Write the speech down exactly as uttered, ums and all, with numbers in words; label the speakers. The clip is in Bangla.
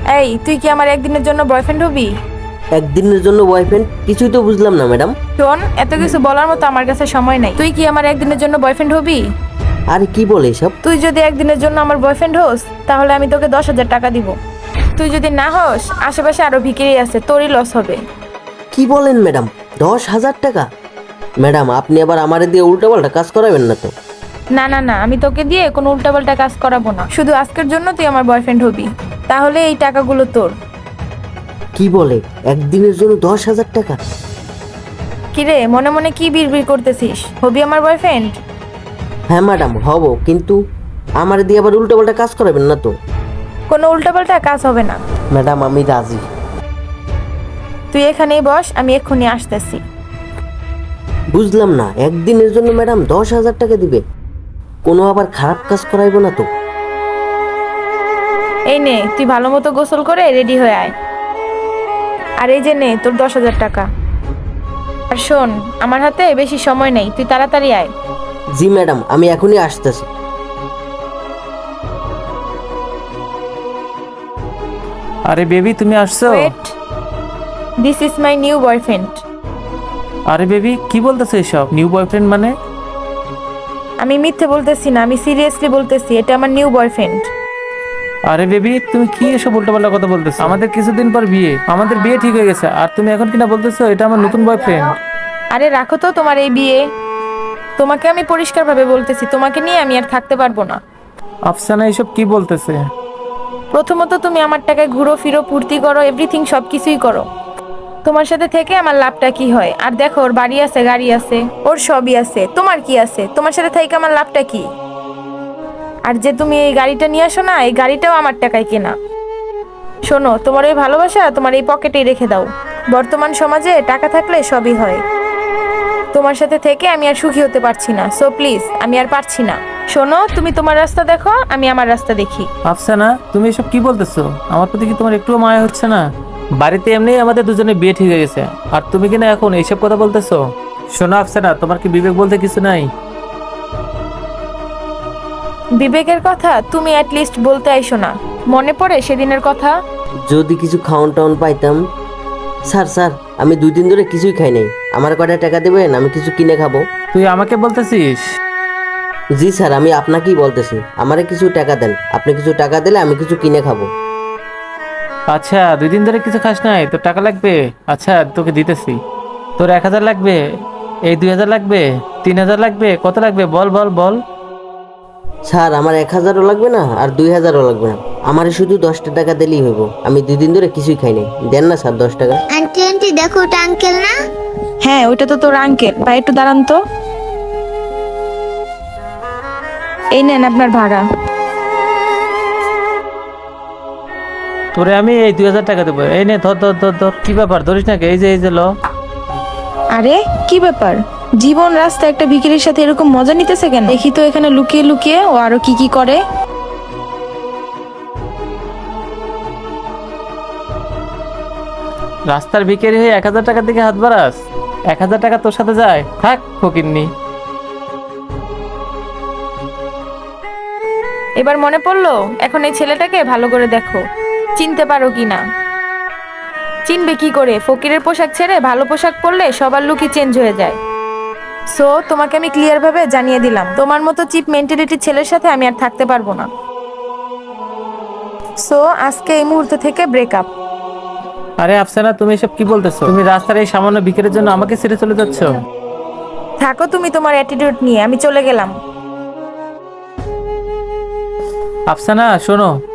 Speaker 1: এই তুই কি আমার একদিনের জন্য বয়ফ্রেন্ড হবি?
Speaker 2: একদিনের জন্য বয়ফ্রেন্ড? কিছুই তো বুঝলাম না ম্যাডাম।
Speaker 1: শোন, এত কিছু বলার মতো আমার কাছে সময় নাই। তুই কি আমার একদিনের জন্য বয়ফ্রেন্ড হবি?
Speaker 2: আরে কি বলে এসব?
Speaker 1: তুই যদি একদিনের জন্য আমার বয়ফ্রেন্ড হোস তাহলে আমি তোকে দশ হাজার টাকা দিব। তুই যদি না হোস, আশেপাশে আরো ভিখিরি আছে, তোরই লস হবে।
Speaker 2: কি বলেন ম্যাডাম? দশ হাজার টাকা? ম্যাডাম আপনি আবার আমারে দিয়ে উল্টাপাল্টা কাজ করাবেন না তো?
Speaker 1: না না না, আমি তোকে দিয়ে কোনো উল্টাপাল্টা কাজ করাবো না। শুধু আজকের জন্য তুই আমার বয়ফ্রেন্ড হবি, তাহলে এই টাকাগুলো তোর।
Speaker 2: কি বলে একদিনের জন্য দশ হাজার টাকা?
Speaker 1: কিরে, মনে মনে কি বিড়বিড় করতেছিস? হবি আমার বয়ফ্রেন্ড?
Speaker 2: হ্যাঁ ম্যাডাম হব, কিন্তু আমারে দিয়ে আবার উল্টাপাল্টা কাজ করাবেন না তো?
Speaker 1: কোনো উল্টাপাল্টা কাজ হবে না।
Speaker 2: ম্যাডাম আমি রাজি।
Speaker 1: তুই এখানেই বস, আমি এক্ষুনি আসতেছি।
Speaker 2: বুঝলাম না, একদিনের জন্য ম্যাডাম দশ হাজার টাকা দিবে? কোনো আবার খারাপ কাজ করাইব না তো?
Speaker 1: এই নে, তুই ভালো মতো গোসল করে রেডি হয়ে আয়। আর এই যে নে তোর দশ হাজার টাকা। আর শোন, আমার হাতে বেশি সময় নেই, তুই তাড়াতাড়ি আয়।
Speaker 2: জি ম্যাডাম, আমি এখনই আসতেছি।
Speaker 3: আরে বেবি তুমি আসছো?
Speaker 1: Wait, this is my new boyfriend.
Speaker 3: আরে বেবি কি বলতেছো এসব? নিউ বয়ফ্রেন্ড মানে?
Speaker 1: আমি মিথ্যে বলতেছি না, আমি সিরিয়াসলি বলতেছি, এটা আমার নিউ বয়ফ্রেন্ড।
Speaker 3: আরে বেবি তুমি কি এসব উল্টোপাল্টা কথা বলতেছো? আমাদের কিছুদিন পর বিয়ে, আমাদের বিয়ে ঠিক হয়ে গেছে, আর তুমি এখন কিনা বলতেছো এটা আমার নতুন বয়ফ্রেন্ড?
Speaker 1: আরে রাখো তো তোমার এই বিয়ে। তোমাকে আমি পরিষ্কারভাবে বলতেছি, তোমাকে নিয়ে আমি আর থাকতে পারবো না।
Speaker 3: আফসানা এসব কি বলতেছে?
Speaker 1: প্রথমত তুমি আমার টাকায় ঘুরো ফিরো, ফুর্তি করো, এভরিথিং সব কিছুই করো। তোমার সাথে থেকে আমার লাভটা কি হয়? আর দেখো, ওর বাড়ি আছে, গাড়ি আছে, ওর সবই আছে, তোমার কি আছে? তোমার সাথে থেকে আমার লাভটা কি? আর যে তুমি এই গাড়িটা নিয়ে আসো না, এই গাড়িটাও আমার টাকায় কেনা। শোনো, তোমার ওই ভালোবাসা তোমার এই পকেটেই রেখে দাও। বর্তমান সমাজে টাকা থাকলে সবই হয়। তোমার সাথে থেকে আমি আর সুখী হতে পারছি না, সো প্লিজ, আমি আর পারছি না। শোনো, তুমি তোমার রাস্তা দেখো, আমি আমার রাস্তা দেখি।
Speaker 3: আফসানা তুমি এসব কি বলতেছো? আমার প্রতি কি তোমার একটুও মায়া হচ্ছে না? বাড়িতে এমনি আমাদের দুজনে বিয়ে ঠিক হয়ে গেছে, আর তুমি কিনা এখন এইসব কথা বলতেছো? শোনো আফসানা, তোমার কি বিবেক বলতে কিছু নাই?
Speaker 1: বিবেকের কথা তুমি অ্যাটলিস্ট বলতে আইসো না। মনে পড়ে সেদিনের কথা?
Speaker 2: যদি কিছু খাওয়ান টাউন পাইতাম। স্যার স্যার, আমি দুই দিন ধরে কিছুই খাই নাই, আমার কয়টা টাকা দেবেন, আমি কিছু কিনে খাবো।
Speaker 3: তুই আমাকে বলতেছিস?
Speaker 2: জি স্যার, আমি আপনাকেই বলতেছি, আমারে কিছু টাকা দেন, আপনি কিছু টাকা দিলে আমি কিছু কিনে খাবো।
Speaker 3: আচ্ছা, দুই দিন ধরে কিছু খাস নাই, তোর টাকা লাগবে? আচ্ছা তোকে দিতেছি। তোর এক হাজার লাগবে? এই দুই হাজার লাগবে? তিন হাজার লাগবে? কত লাগবে বল বল বল।
Speaker 2: স্যার আমার এক হাজারও লাগবে না, আর দুই হাজারও লাগবে না, আমারে শুধু দশটা টাকা দিলেই হইব, আমি দুই দিন ধরে কিছুই খাই নাই, দেন না স্যার দশ টাকা।
Speaker 4: আন্টি আন্টি দেখো, ওটা আঙ্কেল না?
Speaker 1: হ্যাঁ, ওইটা তো তোর আঙ্কেল। ভাই একটু দাঁড়ান তো। এই নেন আপনার ভাড়া।
Speaker 3: তোরে আমি এই দুই হাজার টাকা দেবো, এই নে ধর ধর ধর ধর। কি ব্যাপার, ধরিস নাকি? এই যে এই যে ল।
Speaker 1: আরে কি ব্যাপার, জীবন রাস্তা একটা ভিখিরির সাথে এরকম মজা নিতেছে কেন? দেখি তো এখানে লুকিয়ে লুকিয়ে ও আরো কি কি করে।
Speaker 3: রাস্তার ভিখারি হয়ে এক হাজার টাকার দিকে হাত বাড়াস? এক হাজার টাকা তোর সাথে যায়? থাক ফকিন্নি।
Speaker 1: এবার মনে পড়লো? এখন এই ছেলেটাকে ভালো করে দেখো, চিনতে পারো কি না? চিনবে কি করে? ফকিরের পোশাক ছেড়ে ভালো পোশাক পরলে সবার লুকই চেঞ্জ হয়ে যায়। সো তোমাকে আমি ক্লিয়ার ভাবে জানিয়ে দিলাম, তোমার মতো চিপ মেন্টালিটির ছেলের সাথে আমি আর থাকতে পারবো না। সো আজকে এই মুহূর্ত থেকে ব্রেকআপ।
Speaker 3: আরে আফসানা তুমি এসব কি বলতেছো? তুমি রাস্তার এই সামান্য ভিখারির জন্য আমাকে ছেড়ে চলে যাচ্ছ?
Speaker 1: থাকো তুমি তোমার অ্যাটিটিউড নিয়ে, আমি চলে গেলাম।
Speaker 3: আফসানা শোনো,